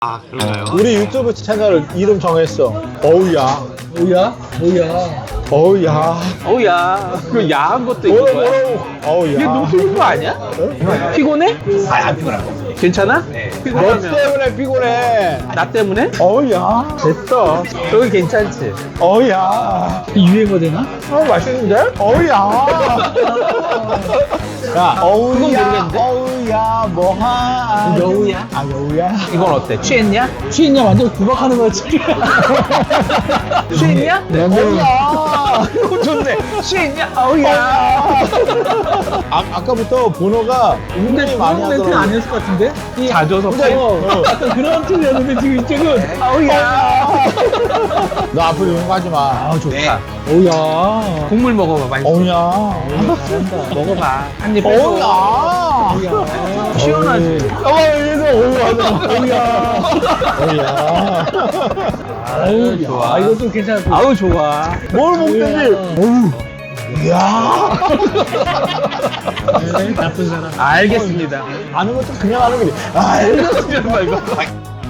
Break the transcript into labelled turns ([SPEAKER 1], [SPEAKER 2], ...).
[SPEAKER 1] 아, 그런가요?
[SPEAKER 2] 우리 유튜브 채널 이름 정했어. 어우야.
[SPEAKER 3] 뭐야? 뭐야?
[SPEAKER 2] 어우야.
[SPEAKER 1] 어우야, 그 야한 것도 있는 거야?
[SPEAKER 2] 어우야.
[SPEAKER 1] 이게 너무 피곤한 거 아니야? 피곤해?
[SPEAKER 3] 아니 안 피곤할 거.
[SPEAKER 1] 괜찮아?
[SPEAKER 2] 너
[SPEAKER 1] 피곤하면
[SPEAKER 2] 때문에 피곤해.
[SPEAKER 1] 나 때문에?
[SPEAKER 2] 어우야. 됐어.
[SPEAKER 1] 여기 괜찮지?
[SPEAKER 2] 어우야.
[SPEAKER 3] 유행어 되나?
[SPEAKER 2] 맛있는데? 어우야. 야, 어우야.
[SPEAKER 1] 모르겠는데?
[SPEAKER 2] 어우야, 뭐하?
[SPEAKER 3] 여우야?
[SPEAKER 2] 아, 여우야.
[SPEAKER 1] 이건 어때? 취했냐?
[SPEAKER 3] 취했냐? 완전 구박하는 거지.
[SPEAKER 1] 취했냐?
[SPEAKER 2] 네. 어우야.
[SPEAKER 1] 이거 좋네. 취했냐? 어우야.
[SPEAKER 2] 아까부터 번호가 은근히 많이
[SPEAKER 3] 그런 멘트는
[SPEAKER 2] 하더라고.
[SPEAKER 3] 아니었을 것 같은데?
[SPEAKER 1] 자주 섭해?
[SPEAKER 3] 약간 그런 틀이었는데 지금 이쪽은
[SPEAKER 1] 어우야.
[SPEAKER 2] 너 앞으로 이런 거 하지 마.
[SPEAKER 1] 아, 좋다.
[SPEAKER 3] 어우야.
[SPEAKER 1] 국물 먹어봐, 많이.
[SPEAKER 2] 어우야.
[SPEAKER 3] 잘한다.
[SPEAKER 1] 먹어봐. 한입 빼고.
[SPEAKER 2] 어우야.
[SPEAKER 1] 시원하지?
[SPEAKER 2] 여기서 어우야 하잖아. 어우야.
[SPEAKER 3] 어우,
[SPEAKER 1] 좋아.
[SPEAKER 3] 아, 이것도 괜찮아.
[SPEAKER 1] 아우, 좋아.
[SPEAKER 2] 뭘 먹든지. 어우. 이야.
[SPEAKER 3] 나쁜 사람.
[SPEAKER 1] 알겠습니다.
[SPEAKER 2] 아는 것도 그냥 하는 거지. 아,
[SPEAKER 1] 알겠습니다, 이거.